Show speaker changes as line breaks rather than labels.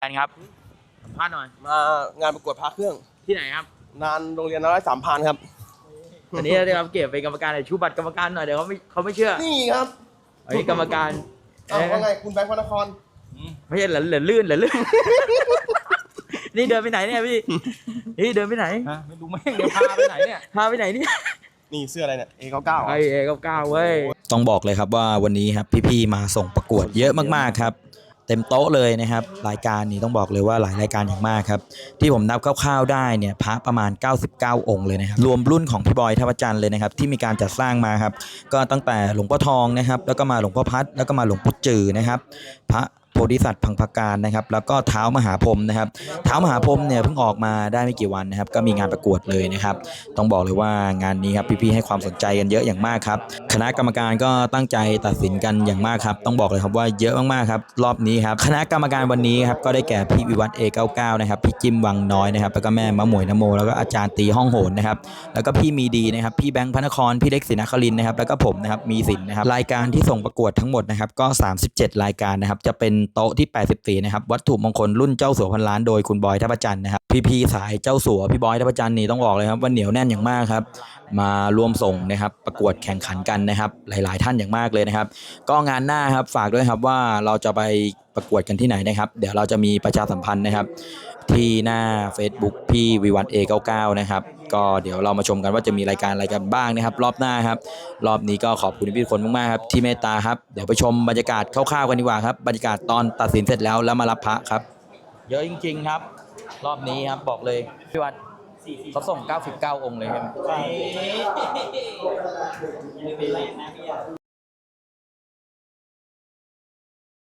กันครับสัมภาษณ์หน่อย
มางานประกวดพระเครื่อง
ที่ไหนครับ
นานโรงเรียนน้อย3,000ครับ
อันนี้ได้รับเกียรติเป็นกรรมการหน่อยชูบัตรกรรมการหน่อยเดี๋ยวเขาไม่เชื่อ
นี่ครับ
ไอ้กรรมการ
ว่าไงคุณแบงค์พระนคร
ไม่ใช่เหลือลื่นนี่เดินไปไหนเนี่ยพี่นี่เดินไปไหน
ไม่รู้แม่งเดี๋ยวพาไปไหนเนี่ย
พาไปไหนเนี่ย
นี่เสื้ออะไรเนี่ย A99
ไอ้A99เว้ย
ต้องบอกเลยครับว่าวันนี้ครับพี่ๆมาส่งประกวดเยอะมากๆครับเต็มโต๊ะเลยนะครับรายการนี้ต้องบอกเลยว่าหลายรายการอย่างมากครับที่ผมนับคร่าวๆได้เนี่ยพระประมาณ99องค์เลยนะครับรวมรุ่นของพี่บอยท่าพระจันทร์เลยนะครับที่มีการจัดสร้างมาครับก็ตั้งแต่หลวงพ่อทองนะครับแล้วก็มาหลวงพ่อพัดแล้วก็มาหลวงพ่อจือนะครับพระโพธิสัตว์พังพการนะครับแล้วก็เท้ามหาพรหมนะครับเท้ามหาพรหมเนี่ยเพิ่งออกมาได้ไม่กี่วันนะครับก็มีงานประกวดเลยนะครับต้องบอกเลยว่างานนี้ครับพี่ๆให้ความสนใจกันเยอะอย่างมากครับคณะกรรมการก็ตั้งใจตัดสินกันอย่างมากครับต้องบอกเลยครับว่าเยอะมากๆครับรอบนี้ครับคณะกรรมการวันนี้ครับก็ได้แก่พี่วิวัฒน์ A99 นะครับพี่จิ้มวังน้อยนะครับแล้วก็แม่มะหมวยนโมแล้วก็อาจารย์ตีห้องโหนนะครับแล้วก็พี่มีดีนะครับพี่แบงค์พระนครพี่เล็กศรีนครินทร์นะครับแล้วก็ผมนะครับมีสินนะครับรายการที่ส่งประกวดทั้งหมดนะครับก็37รายการนะครับจะเป็นโต๊ะที่84นะครับวัตถุมงคลรุ่นเจ้าสัวพันล้านโดยคุณบอยท่าพระจันทร์นะครับพี่สายเจ้าสัวพี่บอยท่าพระจันทร์นี่ต้องบอกเลยครับว่าเหนียวแน่นอย่างมากครับมาร่วมส่งนะครับประกวดแข่งขันกันนะครับหลายๆท่านอย่างมากเลยนะครับก็งานหน้าครับฝากด้วยครับว่าเราจะไปประกวดกันที่ไหนนะครับเดี๋ยวเราจะมีประชาสัมพันธ์นะครับที่หน้า Facebook พี่วิวัฒน์ A99 นะครับก็เดี๋ยวเรามาชมกันว่าจะมีรายการอะไรกันบ้างนะครับรอบหน้าครับรอบนี้ก็ขอบคุณพี่ทุกคนมากๆครับที่เมตตาครับเดี๋ยวไปชมบรรยากาศคร่าวๆกันดีกว่าครับบรรยากาศตอนตัดสินเสร็จแล้วมารับพระครับเยอะจริงๆครับรอบนี้ครับบอกเลยพี่วัดเขาส่ง99องค์เลยครับ